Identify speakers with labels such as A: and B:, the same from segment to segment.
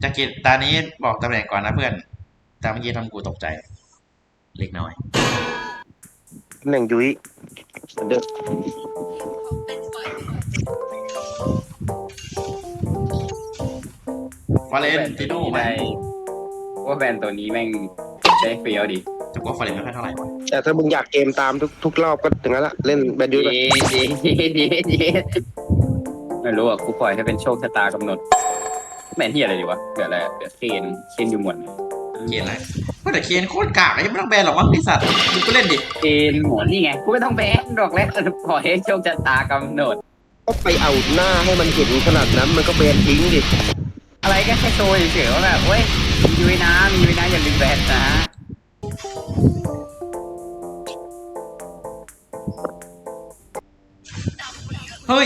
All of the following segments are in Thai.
A: จากกิจตานี้บอกตำแหน่งก่อนนะเพื่อนตามเมื่อกี้ทำกูตกใจเล็กน้อย
B: ตำแหน่งยุ้ยเหมือนเดิม
A: ฟาเรนติโน่ไหม
C: ว่าแบรนด์ตัวนี้แม่งได้เฟี้ยวดิ
A: แต่ว่าฟาเรนไม่ค่อยเท่าไหร่วะ
B: แต่ถ้ามึงอยากเกมตามทุกรอบก็อย่างนั้นละเล่นแบนยุ้ยไป
C: เย้ไม่รู้อ่ะกูปล่อยให้เป็นโชคชะตากำหนดแม่นที่อะไรดีวะเกิดอะไรเกิดเคนอยู่หมด
A: เคนอะไรแต่เคนโคตรกากยังไม่ต้องแบนหรอกมั้งไอสัตว์มึงก็เล่นดิ
C: เคนหมดนี่ไงกูไม่ต้องแบนดอกแล้วปล่อยให้โชคชะตากำหนด
B: ก็ไปเอาหน้าให้มันเห็นขนาดนั้นมันก็แบนทิ้งดิ
C: อะไรก็แค่โชว์เฉยๆว่าแบบเว้ยมียุ้ยนะอย่าลืมแบนนะ
A: เฮ้ย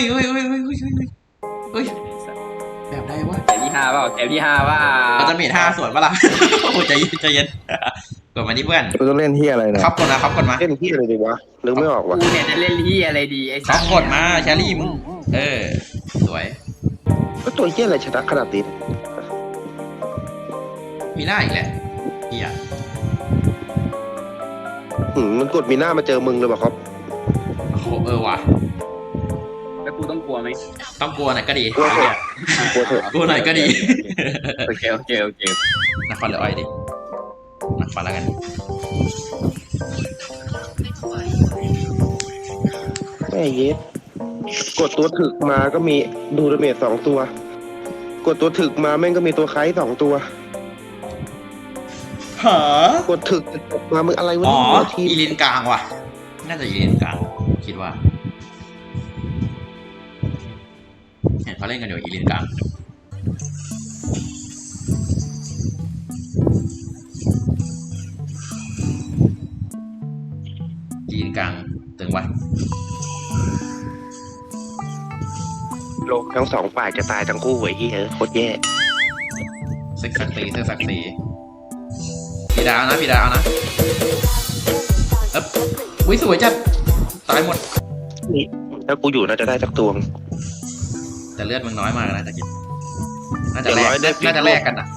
A: แบบใดวะ
C: แถวที่ห้าเปล่า
A: เราจะเมท5 ส่วนปะล่ะโอ้ใจเย็นกดมาที่เพื่อน
B: กูต้องเล่นเฮียอะไรนะครับ
A: กดมา
B: เล่นเฮียอะไรดีวะนึกไม่ออกวะ
C: กูเนี่ยจะเล่นที่อะไรดีไอ้สั
A: สกดมาแชรี่มึงสวย
B: ก็ตัวเฮียอะไรชนะขนาดนี้
A: มีหน้าอีกแหละเฮีย
B: มันกดมีหน้ามาเจอมึงเลยป่ะครับ
A: โอ้โหว่ะ
C: แล้วกูต้องกลัวไหม
A: ต้องกลัวหน่อยก็ดี
B: กลัวเถอะ
A: กลัวหน่อยก็ดี
C: โอเค
A: นครหรืออ้อยดินครแล้วกัน
B: แม่เย็ดกดตัวถึกมาก็มีดูดาเมจ2 ตัวกดตัวถึกมาแม่งก็มีตัวไคส์2 ตัว
A: หาก
B: ดถึกมามึงอะไรวะ
A: ทีอีลินกลางว่ะน่าจะอีลินกลางคิดว่าเห็นเขาเล่นกันอยู่อีลินกลางอีลินกลางตึงวะ
B: โลกทั้ง2 ฝ่ายจะตายทั้งคู่เว้ยเฮ้ยโคตรแย่
A: เซ็กซักตีพี่ดาวนะอุ้ยสวยจัดตายหมด
B: นี่ถ้ากูอยู่น่าจะได้สักตัว
A: แต่เลือดมึงน้อยมากนะตะกี้น่าจะแลกกันอ่ะ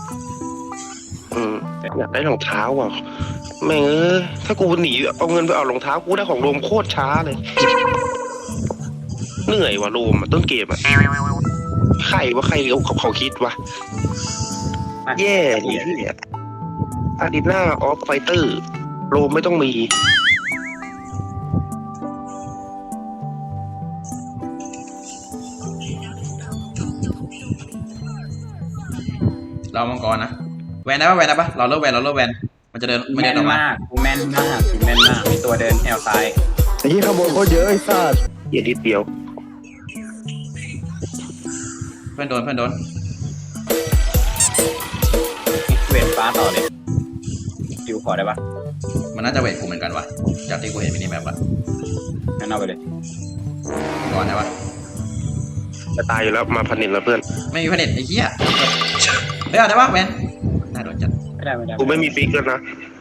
B: อยากได้รองเท้าอ่ะแม่งถ้ากูหนีเอาเงินไปเอารองเท้ากูได้ของโรมโคตรช้าเลยเหนื่อยว่ะโรมต้นเกมอ่ะใครเขาคิดวะแย่ดิอาดิน่าออฟไฟเตอร์โรมไม่ต้องมี
A: เรามังกรนะแวนได้ปะเราเลิกแวนมันจะเดิน
C: แม่นมากกูแม่นมากมีตัวเดินแนวซ้าย
B: ไอ้ที่ขโมยโคตรเยอะไอ้สัสอย่าดิดเดียว
A: เพื่อนโดน
C: เวทฟ้าต่อเลยคิวขอได้ปะ
A: มันน่าจะเวทกูเหมือนกันวะจากที่กูเห็นมินิแมปละ
C: งั้นเอาไปเลย
A: ก่อนได้ปะ
B: จะตายอยู่แล้วมาพันนินแล้วเพื่อน
A: ไม่มีผนิตไอ้เหี้ยไม่เอาได้ปะแวนน่าโดนจัด
C: ไม่ได้
B: กูไม่มีฟิกแล้วนะ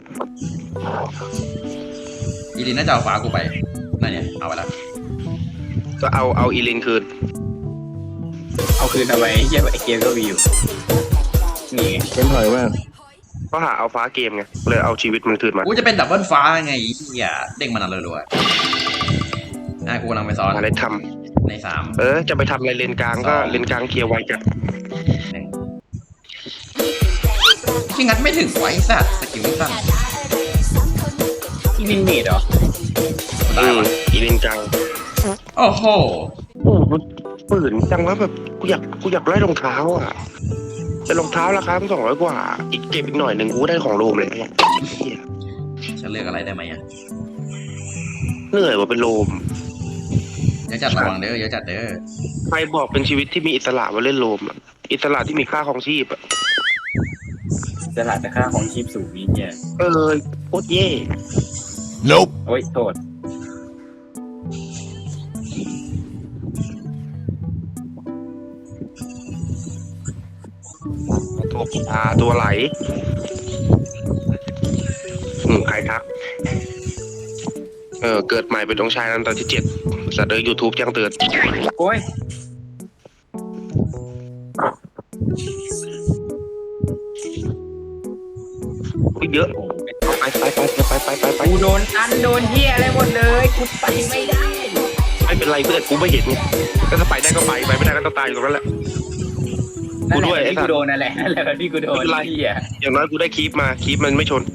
A: อีลินน่าจะเอาฟ้ากูไปนั่นเนี่ยเอาไปแล้ว
B: ก็เอาอีลินคืน
C: เอาคืนเอาไว้เหี้ยไอเกมก็มีอยู่นี่
B: เกมถอยมากก็หาเอาฟ้าเกมไงเลยเอาชีวิตมันคืนมา
A: กูจะเป็นดับเบิลฟ้าไงเหี้ยเด้งมันอะไรรัวๆกูกำลังไปซ้อน
B: อะไรท
A: ำใน3
B: จะไปทำอะไรเลนกลางก็เลนกลางเคลียร์ไว้จัด
A: ที่งัดไม่ถึงไว้สัตว์สกิลไม่สั้น
C: อีลินเมดเหรอ
B: อีเลนกลาง
A: โอ้โห
B: ปืนจังว่าแบบกูอยากได้รองเท้าอ่ะแต่รองเท้าราคา200 กว่าอีกเก็บอีกหน่อยหนึ่งกูได้ของโรมเลย
A: ฉันเลือกอะไรได้ไหมอ่ะ
B: เหนื่อยว่าเป็นโรม
A: เยอะจัดระวังเด้อเยอะจัดเด้อ
B: ใครบอกเป็นชีวิตที่มีอิสระมาเล่นโรมอิสระที่มีค่าของชีพ
C: ตลาดแต่ค่าของชีพสูงนี่เนี่ย
B: โคตรเย่
A: Nope
C: โอ้ยโทษ
B: ตัวไหลใครทักเกิดใหม่เป็นองค์ชายนันตอนที่7สัตว์YouTube แจ้งเตือน
C: โอ้ย
B: เยอะไป
C: กูโดนอันโดนเฮียอะไรหมดเลยกูไปไม่ได้
B: ไม่เป็นไรเพื่อนกูไม่เห็นไงก็ถ้าไปได้ก็ไปไม่ได้ก็ต้องตายอยู่ตรงนั้นแหละ
C: นั่นแห
B: กูด้วย
C: ละ
B: ไอ้
C: ที่
B: สั
C: กู
B: ตว์
C: โดนนั่นแหละนั่นแหละที่กูโดนเฮีย
B: อย่างน้อยกูได้คีปมาคีปมันไม่ชน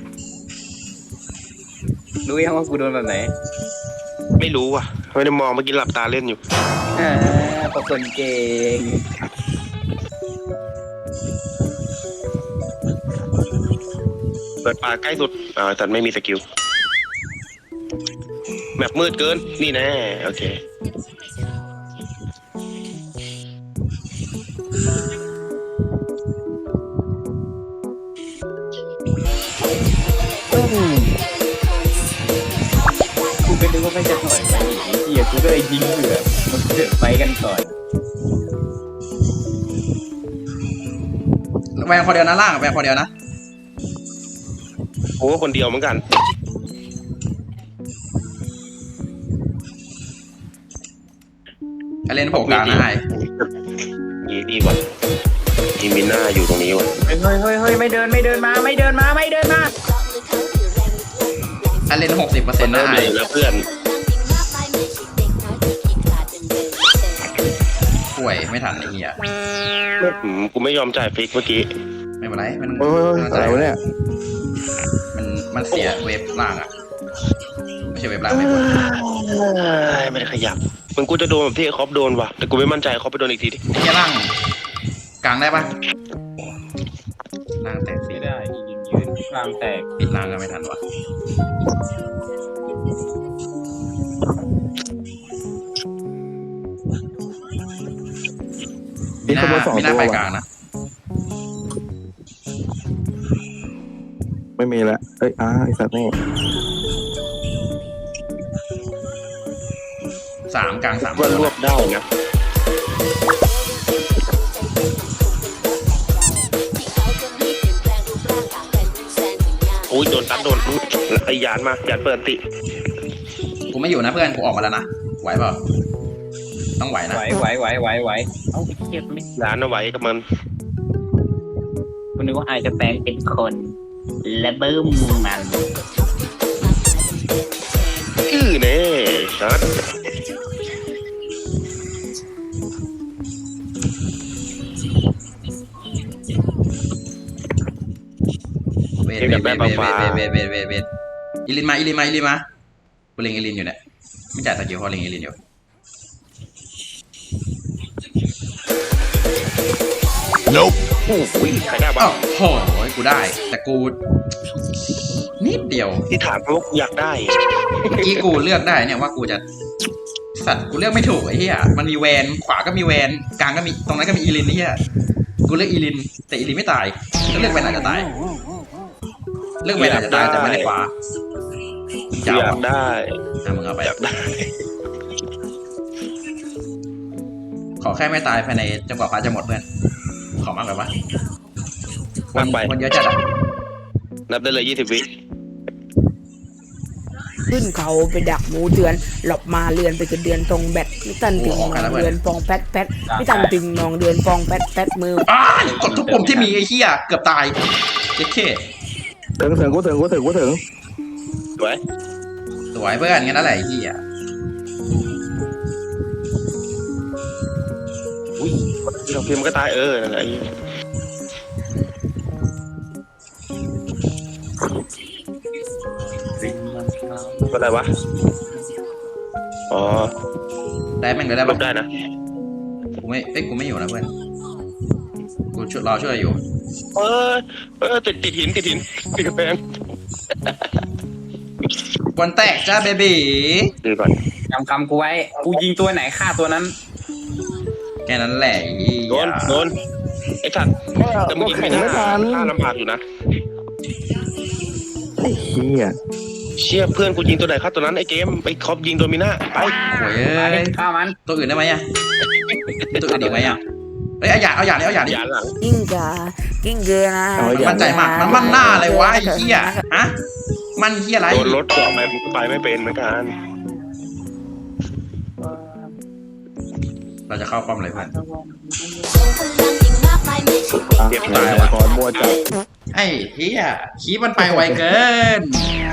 C: รู้ยังว่ากูโดนแบบไหน
B: ไม่รู้อ่ะไม่ได้มองเมื่อกี้หลับตาเล่นอยู่
C: พวกคนเก่ง
B: เปิดป่าใกล้สุดแต่ไม่มีสกิลแมปมืดเกินนี่แน่โอเค
C: กูก็นึกว่าไม่จะถอยไปอีกไอ้เฮียกูก็เลยยิงเผื่อมันเดือดไปกันก่อน
A: แวงคนเดียวนะล่างแวงคนเดียวนะ
B: โอ้คนเดียวเหมือนกัน
A: ไอเลนโผล่กลางนะไอ
B: นี่ดีกว่าทีมิน่าอยู่ตรงนี้ว่ะ
C: เฮ้ยไม่เดินมา
A: ไอเลน60%นะไอ
B: แล้วเพื่อน
A: ป่วยไม่ทันไอ้เหี้ย
B: กูไม่ยอมจ่ายฟิกเมื่อกี้
A: ไม่เป็นไรมัน
D: อะไรวะเนี่ย
A: มันเสียเวฟล่างอ่ะไม่ใช่เวฟล่างไม่หมด
B: ไม่ได้ขยับมันกูจะโดนแบบที่คอปโดนว่ะแต่กูไม่มั่นใจคอปไปโดนอีกทีดิ
A: เหี้ยล่างกลางได้ปะล่างแตกสิ
C: ไม่ได้ยืนกลางแตก
A: ปิดล่างก็ไม่ทันวะ
D: นี่ขบวนสอง
A: ไม่น่า
D: ตัว
A: ไป
D: ว่ะ
A: กลางนะ
D: ไม่มีแล้วเอ้ยไอ้สัตว์นี่
A: 3กลาง3
B: ว่ารวบได้นะโอ้ยโดนตัดโดนไอ้ยานมาหยานเปิดติ
A: กูไม่อยู่นะเพื่อนกูออกมาแล้วนะไหวเปล่าต้องไหวนะ
C: ไหวเอ้าไอ้เฮียไม่
B: ยานเอาไว้กับมัน
C: กูนึกว่าไอจะแปลงเป็นคนและบึ้มมัน
B: เน่ชัด
A: เวทอีลินมากูเล็งอีลินอยู่เนี่ยไม่จ่ายสกิลเพราะเล็งอีลินอยู่
B: โอ้โหใครได้บ้า
A: อ้าง วโหกูได้ แต่กูนิดเดียว
B: ที่ถามเพราะว่ากูอยากได้
A: เมื่อกี้กูเลือกได้เนี่ยว่ากูจะสัตว์กูเลือกไม่ถูกไอ้เหี้ยมันมีแวนขวาก็มีแวนกลางก็มีตรงนั้นก็มีอีลินไอ้เหี้ยกูเลือกอีลินแต่อีลินไม่ตายก็เลือกแวนอาจจะตายเลือกแวนอาจจะตายแต่ไม่ได้ขวา
B: อยากได้
A: มึงเอาไป
B: อยากได้
A: ขอแค่ไม่ตายภายในจนกว่าฟ้าจะหมดเพื่อนขอมากเลยปะ
B: มากไป
A: คนเยอะจัดอะ
B: นับได้เลย20 วิ
E: ขึ้นเขาไปดักหมูเดือนหลบมาเรือนไปกระเดือนตรงแบตไม่ตันตึงนองเดือนฟองแป๊ดไม่ตันตึงนองเดือนฟองแป๊ดมือ
A: อ้ายกดทุกปุ่มที่มีไอ้เหี้ยเกือบตายเจ๊เท่
D: ถึงกูถึง
B: สวย
A: สวยเพื่อนงั้นนั่นแหละไอ้เหี้ย
B: เราพิมพ์ก็ตายนั่นแหละอะไรวะอ๋อ
A: ได้แม่งเลยได้
B: ล
A: ปะ
B: บได้นะ
A: กูไม่อยู่นะเพื่อนกูช่วยรอช่วยอยู่
B: ติดหินติดกระแพง
A: บอลแตกจ้าเบบี
B: ดูก่อน
C: จำคำกูไว้กูยิงตัวไหนฆ่าตัวนั้น
A: แค่นั้นแหละไอ้เหี้ย
B: โดนไอ้สัตว์แต่มึงยิง
D: แข่
B: ไม่
D: ง
B: ได้
D: ไม่ทัน
B: ฆ่าลำบากอยู่นะ
D: ไอ้เหี้ย
B: เชี่ยเพื่อนกูยิงตัวไหนฆ่าตัวนั้นไอ้เกมไปคอปยิงโดมิน่าไป
A: โวยเอ้ย
C: ฆ่ามัน
A: ตัวอื่นได้ไหมอะมีตัวอื่นอีกไหมอะเอ้ยเอาอย่างนี้
B: ยานหลัง
E: กิ้งกากิ้งเกอนะ
A: มันมั่นใจมากมันมั่นหน้าเลยวะไอ้เหี้ยฮะมันเหี้ยอะไร
B: โดนรถต่อไปมึงก็ไปไม่เป็นเหมือนกัน
A: เราจะเข้าป้อมเลยเพื่อน
F: คนดังยิ่งมากมายไม่
B: เจ็บ
D: ตายก่อนมัวจับ
A: ไอ้เฮียคีบมันไปไวเกิน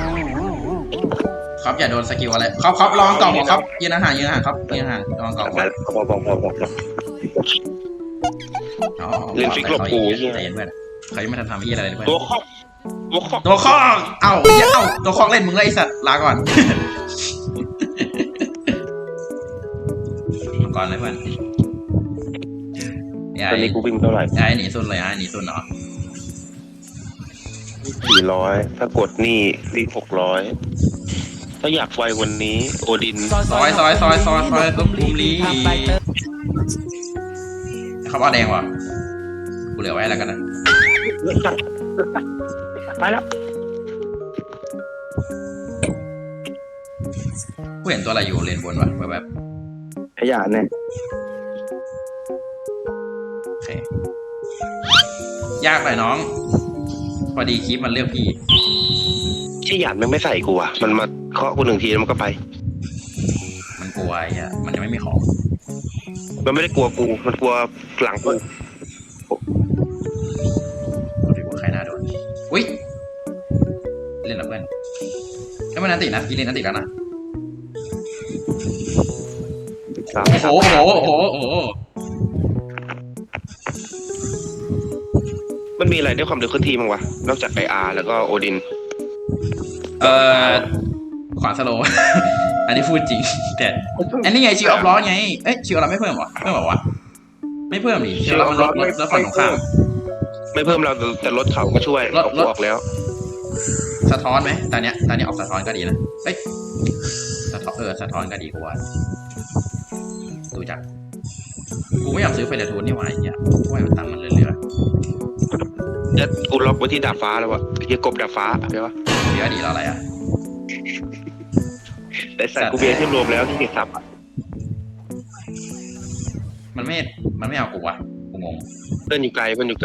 A: ครับอย่าโดนสกิลอะไรครับลองกล่องบอกครับยืนห่างครับยืนห่างลองกล่อง
B: บอก เล่นฟิกหลบกูใช่ไหม
A: ใจเย็นเพื่อนเขายังไม่ทันทำที่อะไรเลยเพื่อน
B: ตัวคอก
A: ตัวข้องเอ้าเหี้ยเอ้าตัวข้องเล่นมึงเลยไอสัตว์ลาก่อนมังกรเลยเพื่อน
B: ตอนนี้กูวิ่งเท่าไหร่
A: ไอ้หนีสุดเลยไอ้หนีสุดเนาะ
B: 400ถ้ากดนี่วิ่ง600ถ้าอยากไววันนี้โอดิน
A: ซอยตุ๊บบุมลีเขาเอาแดงว่ะกูเหลือไว้แล้วกันนะ
B: ไปแล้ว
A: กูเห็นตัวอะไรอยู่เลนบนวะแบบ
D: ขยะเนี่ย
A: โอเคยากไปน้อง พอดีคลิปมันเลือกพี่
B: เชี่ยหยาดมันไม่ใส่กูอ่ะมันมาเคาะกู1 ทีแล้วมันก็ไป
A: มันกลัวไอ้เหี้ยมันยังไม่มีของ
B: มันไม่ได้กลัวกูมันกลัวหลังกู
A: ดูดิว่าใครน่าโดนอุ้ยเล่นกับเพื่อนไอ้มันนันตินะอีเลนนันติแล้วนะโอ้โห
B: มันมีอะไรด้วยความเร็วเคลื่อนที่มั้งวะนอกจากไออาร์แล้วก็โอดิน
A: ขวานสโลว์ อันนี้พูดจริง แต่อันนี้ไงชิวออฟล้อไงเอ้ยชิวเราไม่เพิ่มหรอเพิ่มหรอวะไม่เพิ่มดิชิวเรามันลดฝั่งตรงข้าม
B: ไม่เพิ่มเราแต่รถเขาก็ช่วย
A: รถ
B: ออกแล้ว
A: สะท้อนไหมตอนเนี้ยออกสะท้อนก็ดีนะเอ้ยสะท้อนก็ดีกว่าดูจากกูไม่อยากซื้อไฟเดอร์ทูนนี่หว่าไอ้เหี้ยว่ามันตังค์มันเรื่อย
B: แล้วกูล็อกไว้ที่ดาดฟ้าแล้ววะไอ้กบดาดฟ้าใช่ปะ
A: ๆเดี๋ยวดีแล้วอะไรอ่ะ
B: แต่สัตว์กูเบียร์ที่รวมแล้วที่ติดสับอะ
A: มันไม่เอากูว่ะกูงง
B: เพื่อนอยู่ไกล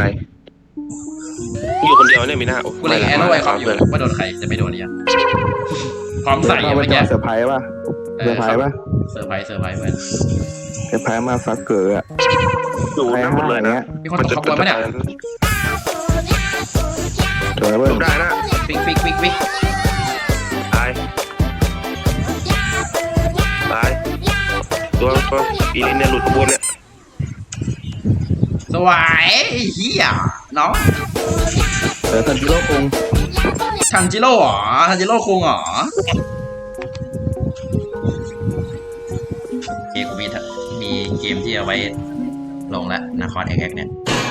B: อยู่คนเดียวเนี่ยมีหน้าโอ้
A: กูเลยแอนโร่ไอคอมอยู่ว่าโดนใครจะไม่โดนเนี่ยพร้อมใส่
D: เอา
A: ยัง
D: ไป
A: ไม่
D: จ
A: แก
D: อดเซอร์ไพรส์ป่ะเซอร์ไพรส์ป่ะ
A: เซอร์ไพรส์เพื่อน
D: เซอร์ไพรส์มาฟักเกอร์อะ
B: อยู่
D: ไป
B: หน้าหมดเลย
D: ห้าง
B: นะ
D: เงี้ย
A: มีคนตกขบวนปะเนี่ย
D: เดี๋ยวนะเพื่อน
B: จบได้นะ
A: ฟิก
B: ตายตัวอีลินเนี่ยหลุดขบวนเนี่ย
A: สวยเฮียน้อง
D: ทันจิโร่คง
A: ทันจิโร่เหรอทันจิโร่คุงเหรอโอเคกูมีเกมที่เอาไว้ลงแล้วนาคอนแอคเนี่ย